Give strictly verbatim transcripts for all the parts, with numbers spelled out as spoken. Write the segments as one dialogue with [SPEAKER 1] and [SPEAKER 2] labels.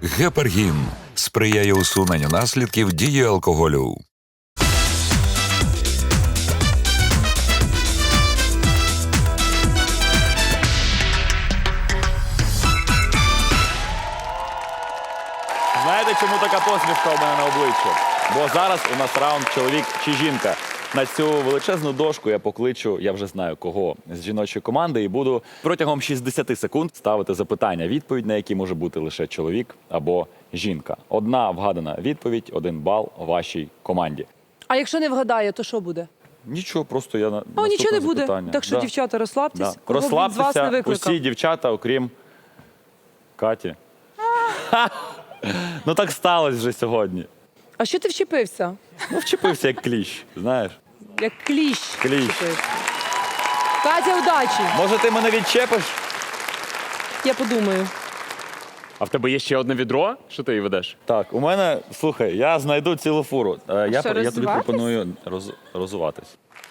[SPEAKER 1] Гепаргін сприяє усуненню наслідків дії алкоголю.
[SPEAKER 2] Знаєте, чому така посмішка у мене на обличчі? Бо зараз у нас раунд чоловік чи жінка. На цю величезну дошку я покличу, я вже знаю кого, з жіночої команди, і буду протягом шістдесят секунд ставити запитання, відповідь на які може бути лише чоловік або жінка. Одна вгадана відповідь, один бал вашій команді.
[SPEAKER 3] А якщо не вгадає, то що буде?
[SPEAKER 2] Нічого, просто я на
[SPEAKER 3] О,
[SPEAKER 2] наступне
[SPEAKER 3] нічого не буде.
[SPEAKER 2] запитання.
[SPEAKER 3] Так що,
[SPEAKER 2] Да.
[SPEAKER 3] дівчата, розслабтесь.
[SPEAKER 2] Да.
[SPEAKER 3] Кого б він з вас не
[SPEAKER 2] Розслабтеся,
[SPEAKER 3] викликав.
[SPEAKER 2] усі дівчата, окрім Каті. Ну так сталося вже сьогодні.
[SPEAKER 3] А що ти вчепився?
[SPEAKER 2] Ну, вчепився як кліщ, знаєш.
[SPEAKER 3] Як кліщ.
[SPEAKER 2] Кліщ.
[SPEAKER 3] вчепився. Катя, удачі.
[SPEAKER 2] Може, ти мене відчепиш?
[SPEAKER 3] Я подумаю.
[SPEAKER 4] А в тебе є ще одне відро? Що ти її ведеш?
[SPEAKER 2] Так, у мене, слухай, я знайду цілу фуру. Е, Я,
[SPEAKER 3] що,
[SPEAKER 2] я тобі
[SPEAKER 3] розвиватись?
[SPEAKER 2] пропоную роз, розуватись.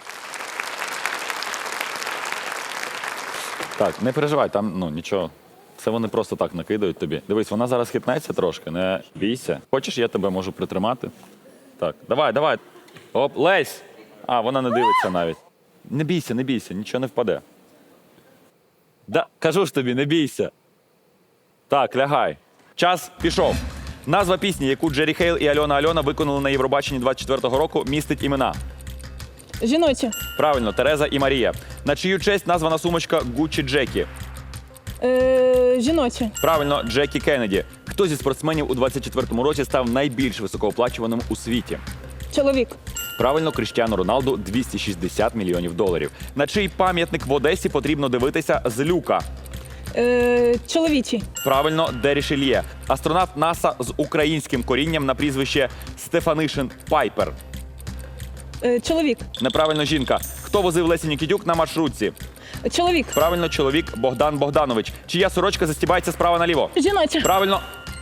[SPEAKER 2] Так, не переживай, там ну нічого. Це вони просто так накидають тобі. Дивись, вона зараз хитнеться трошки, не бійся. Хочеш, я тебе можу притримати? Так, давай, давай. Оп, Лесь! А, вона не дивиться навіть. Не бійся, не бійся, нічого не впаде. Да, кажу ж тобі, не бійся. Так, лягай. Час пішов. Назва пісні, яку Джері Хейл і Альона Альона виконали на Євробаченні двадцять четвертого року, містить імена.
[SPEAKER 5] Жіночі.
[SPEAKER 2] Правильно, Тереза і Марія. На чию честь названа сумочка Гуччі Джекі.
[SPEAKER 5] Е, жіночі.
[SPEAKER 2] Правильно, Джекі Кеннеді. Хто зі спортсменів у двадцять четвертому році став найбільш високооплачуваним у світі?
[SPEAKER 5] Чоловік.
[SPEAKER 2] Правильно, Кріштіану Роналду двісті шістдесят мільйонів доларів. На чий пам'ятник в Одесі потрібно дивитися з люка?
[SPEAKER 5] Е, чоловічі.
[SPEAKER 2] Правильно, Дері Шельє. Астронавт НАСА з українським корінням на прізвище Стефанишин Пайпер.
[SPEAKER 5] Е, чоловік.
[SPEAKER 2] Неправильно, жінка. Хто возив Лесі Нікітюк на маршрутці?
[SPEAKER 5] Чоловік.
[SPEAKER 2] Правильно, чоловік Богдан Богданович. Чия сорочка застібається справа наліво?
[SPEAKER 5] Жіночі.
[SPEAKER 2] Правильно.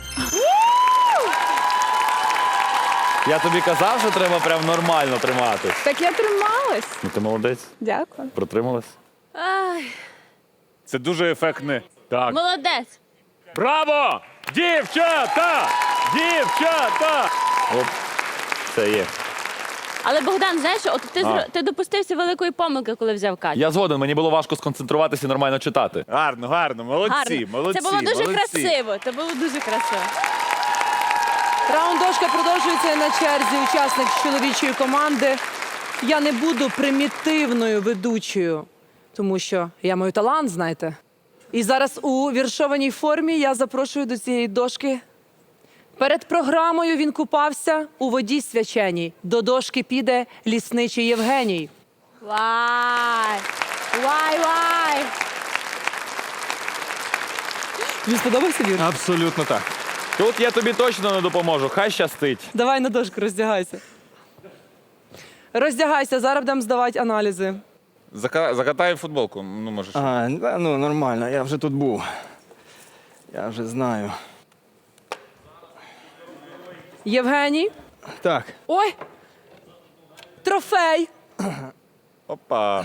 [SPEAKER 2] Я тобі казав, що треба прям нормально триматись.
[SPEAKER 5] Так я трималась.
[SPEAKER 2] Ну ти молодець.
[SPEAKER 5] Дякую.
[SPEAKER 2] Протрималась.
[SPEAKER 6] Ай,
[SPEAKER 4] Це дуже ефектне. Так.
[SPEAKER 6] молодець.
[SPEAKER 4] Браво! Дівчата! Дівчата!
[SPEAKER 2] Оп, це є.
[SPEAKER 6] Але Богдан, знаєш, от ти,
[SPEAKER 2] А.
[SPEAKER 6] зро- ти допустився великої помилки, коли взяв Катю.
[SPEAKER 2] Я згоден, мені було важко сконцентруватися і нормально читати.
[SPEAKER 4] Гарно, гарно, молодці,
[SPEAKER 6] Гарно.
[SPEAKER 4] молодці.
[SPEAKER 6] Це було дуже
[SPEAKER 4] молодці.
[SPEAKER 6] красиво. Це було дуже красиво.
[SPEAKER 3] Раунд дошка продовжується. На черзі учасник з чоловічої команди. Я не буду примітивною ведучою, тому що я маю талант, знаєте. І зараз у віршованій формі я запрошую до цієї дошки. Перед програмою він купався у воді свяченій. До дошки піде лісничий Євгеній.
[SPEAKER 6] Вай! Вай, вай!
[SPEAKER 3] Тобі сподобався вірш?
[SPEAKER 4] Абсолютно так.
[SPEAKER 2] Тут я тобі точно не допоможу, хай щастить.
[SPEAKER 3] Давай на дошку роздягайся. Роздягайся, зараз будемо здавати аналізи.
[SPEAKER 4] Зака... Закатай футболку, ну можеш.
[SPEAKER 7] А, да, ну нормально, я вже тут був. Я вже знаю.
[SPEAKER 3] Євгеній.
[SPEAKER 7] Так,
[SPEAKER 3] Ой! Трофей!
[SPEAKER 4] Опа.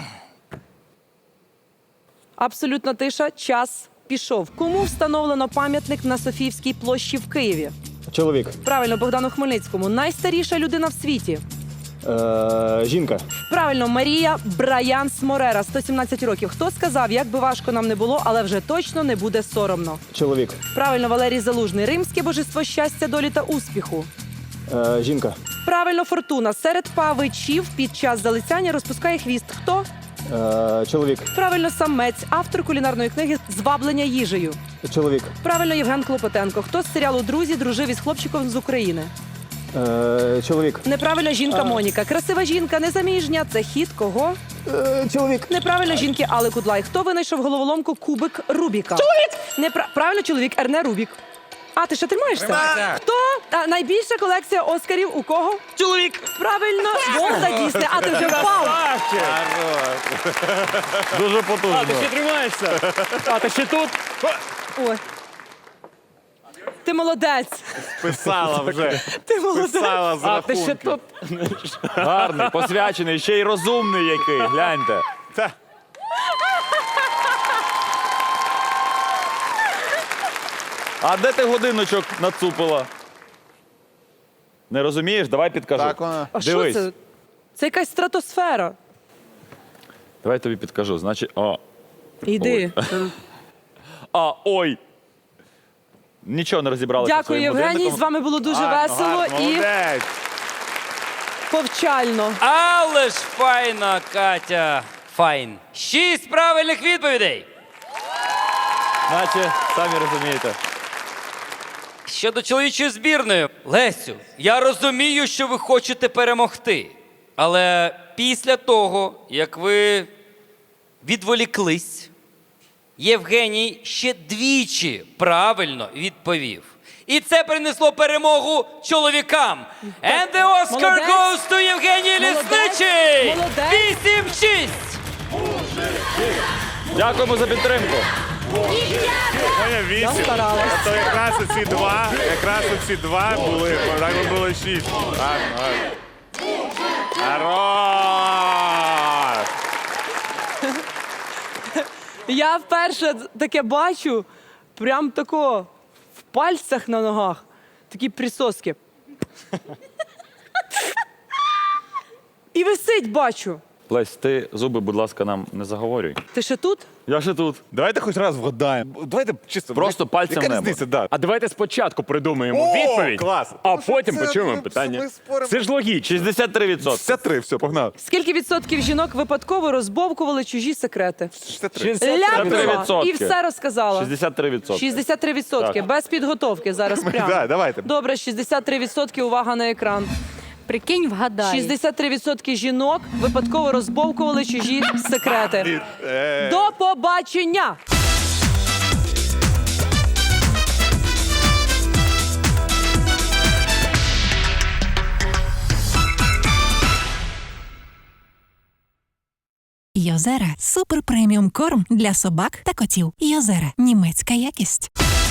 [SPEAKER 3] Абсолютна тиша. Час пішов. Кому встановлено пам'ятник на Софіївській площі в Києві?
[SPEAKER 7] чоловік.
[SPEAKER 3] Правильно, Богдану Хмельницькому. Найстаріша людина в світі.
[SPEAKER 7] Е, жінка.
[SPEAKER 3] Правильно, Марія Брайанс Морера, сто сімнадцять років. Хто сказав, як би важко нам не було, але вже точно не буде соромно?
[SPEAKER 7] Чоловік.
[SPEAKER 3] Правильно, Валерій Залужний. Римське божество щастя, долі та успіху.
[SPEAKER 7] Е, жінка.
[SPEAKER 3] Правильно, Фортуна. Серед павичів під час залицяння розпускає хвіст. Хто?
[SPEAKER 7] Е, чоловік.
[SPEAKER 3] Правильно, самець, автор кулінарної книги «Зваблення їжею».
[SPEAKER 7] Чоловік.
[SPEAKER 3] Правильно, Євген Клопотенко. Хто з серіалу «Друзі» дружив із хлопчиком з України?
[SPEAKER 7] Е, чоловік.
[SPEAKER 3] Неправильно, жінка Моніка. Красива жінка, незаміжня. Це хід кого?
[SPEAKER 7] Е, чоловік.
[SPEAKER 3] Неправильно, жінки Алли Кудлай. Хто винайшов головоломку кубик Рубіка? Чоловік! Непра... Правильно, чоловік Ерне Рубік. А, ти ще тримаєшся? Хто? А, найбільша колекція Оскарів у кого? Чоловік! Правильно, Волта Дісне. А, ти вже впав.
[SPEAKER 2] Дуже потужно.
[SPEAKER 4] А, ти ще тримаєшся? А, ти ще тут?
[SPEAKER 3] Ой. Ти молодець.
[SPEAKER 4] Писала вже.
[SPEAKER 3] Ти молодець.
[SPEAKER 4] Писала з
[SPEAKER 3] А, ти ще
[SPEAKER 4] рахунків.
[SPEAKER 3] тут.
[SPEAKER 2] Гарний, посвячений, ще й розумний який. Гляньте.
[SPEAKER 4] Та.
[SPEAKER 2] А де ти годиночок нацупила? Не розумієш? Давай підкажу.
[SPEAKER 8] Так вона.
[SPEAKER 3] А що
[SPEAKER 2] Дивись.
[SPEAKER 3] це? Це якась стратосфера.
[SPEAKER 2] Давай тобі підкажу. Значить, о.
[SPEAKER 3] Іди.
[SPEAKER 2] А, ой. Нічого не розібралася.
[SPEAKER 3] Дякую,
[SPEAKER 2] своїм
[SPEAKER 3] Євгеній.
[SPEAKER 2] будинком.
[SPEAKER 3] З вами було дуже
[SPEAKER 4] Гарно,
[SPEAKER 3] весело
[SPEAKER 4] гарно,
[SPEAKER 3] і
[SPEAKER 4] молодець.
[SPEAKER 3] повчально.
[SPEAKER 9] Але ж файна, Катя. Файн. Шість правильних відповідей.
[SPEAKER 2] Наче, самі розумієте.
[SPEAKER 9] Щодо чоловічої збірної, Лесю, я розумію, що ви хочете перемогти. Але після того, як ви відволіклись, Євгеній ще двічі правильно відповів. І це принесло перемогу чоловікам. And the Oscar
[SPEAKER 3] Молодець.
[SPEAKER 9] goes to Євгеній
[SPEAKER 3] Молодець.
[SPEAKER 9] Лісничий!
[SPEAKER 3] Молодець.
[SPEAKER 9] вісім шість!
[SPEAKER 2] Дякуємо за підтримку.
[SPEAKER 4] Моя вісім.
[SPEAKER 3] старалась.
[SPEAKER 4] А то якраз оці два, якраз оці два були, так би було шість. Гарно, гарно. Хорош!
[SPEAKER 3] Я вперше таке бачу, прям тако в пальцях на ногах. Такі присоски. І висить, бачу.
[SPEAKER 2] Лесь, ти зуби, будь ласка, нам не заговорюй.
[SPEAKER 3] Ти ще тут?
[SPEAKER 2] Я ще тут.
[SPEAKER 8] Давайте хоч раз вгадаємо. Давайте чисто.
[SPEAKER 2] Просто
[SPEAKER 8] яка-
[SPEAKER 2] пальцем в
[SPEAKER 8] Яка
[SPEAKER 2] небо.
[SPEAKER 8] різниця, да.
[SPEAKER 4] А давайте спочатку придумаємо
[SPEAKER 8] О,
[SPEAKER 4] відповідь,
[SPEAKER 8] клас.
[SPEAKER 4] а
[SPEAKER 8] Тому що
[SPEAKER 4] потім
[SPEAKER 8] це
[SPEAKER 4] почуємо
[SPEAKER 8] ми-
[SPEAKER 4] питання.
[SPEAKER 8] ми споримо.
[SPEAKER 4] Це ж логічно.
[SPEAKER 2] шістдесят три відсотки.
[SPEAKER 8] шістдесят три, все, погнали.
[SPEAKER 3] Скільки відсотків жінок випадково розбовкували чужі секрети?
[SPEAKER 8] шістдесят три.
[SPEAKER 3] Ляпнула
[SPEAKER 2] відсотки.
[SPEAKER 3] і все розказала.
[SPEAKER 2] шістдесят три відсотки.
[SPEAKER 3] шістдесят три відсотки.
[SPEAKER 2] Так.
[SPEAKER 3] Без підготовки зараз прямо.
[SPEAKER 8] Да, давайте.
[SPEAKER 3] Добре, шістдесят три відсотки. Увага на екран.
[SPEAKER 6] Прикинь, вгадай.
[SPEAKER 3] шістдесят три відсотки жінок випадково розбовкували чужі секрети.
[SPEAKER 8] Е,
[SPEAKER 3] До побачення!
[SPEAKER 10] Йозера – супер преміум корм для собак та котів. Йозера – німецька якість.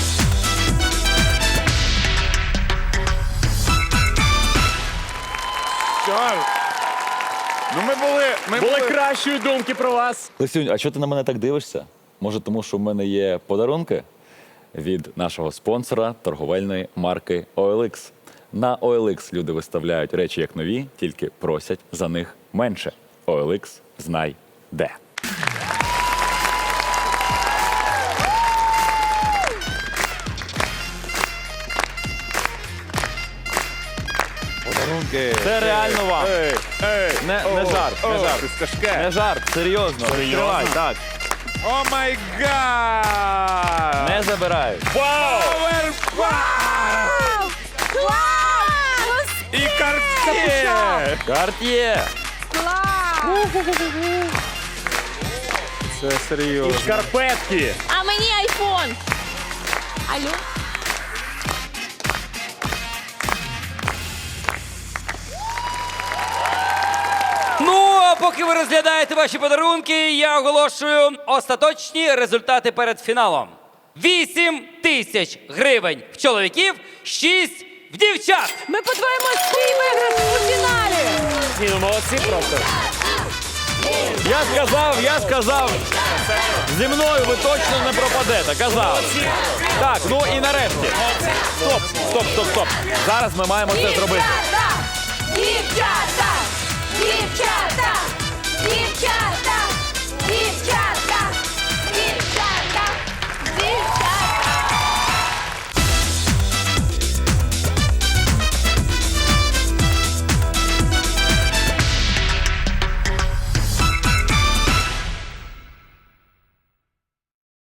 [SPEAKER 8] що? Ну ми були, ми
[SPEAKER 4] Були
[SPEAKER 8] були.
[SPEAKER 4] кращої думки про вас.
[SPEAKER 2] Лесюнь, а чого ти на мене так дивишся? Може, тому що в мене є подарунки від нашого спонсора торговельної марки о ел ікс. На о ел ікс люди виставляють речі як нові, тільки просять за них менше. о ел ікс знай де.
[SPEAKER 8] Подарунки.
[SPEAKER 2] Це реально вам.
[SPEAKER 8] Ей, ей.
[SPEAKER 2] Не, не
[SPEAKER 8] О,
[SPEAKER 2] жарт, не
[SPEAKER 8] о,
[SPEAKER 2] жарт.
[SPEAKER 8] щось тяжке.
[SPEAKER 2] Не жарт, серйозно. Відкривай, так.
[SPEAKER 8] О май гад!
[SPEAKER 2] Не забирають.
[SPEAKER 8] І картки!
[SPEAKER 2] Карт'є.
[SPEAKER 8] Це серйозно.
[SPEAKER 4] Шкарпетки.
[SPEAKER 6] А мені айфон. Алло?
[SPEAKER 9] Ну, а поки ви розглядаєте ваші подарунки, я оголошую остаточні результати перед фіналом. Вісім тисяч гривень в чоловіків, шість в дівчат.
[SPEAKER 3] Ми подвоїмо свій виграш у фіналі!
[SPEAKER 4] Ні, ну молодці просто.
[SPEAKER 2] Я сказав, я сказав. Зі мною ви точно не пропадете, казав. Так, ну і нарешті. Стоп, стоп, стоп, стоп. Зараз ми маємо це зробити.
[SPEAKER 6] Дівчата! Дівчата! Дівчата!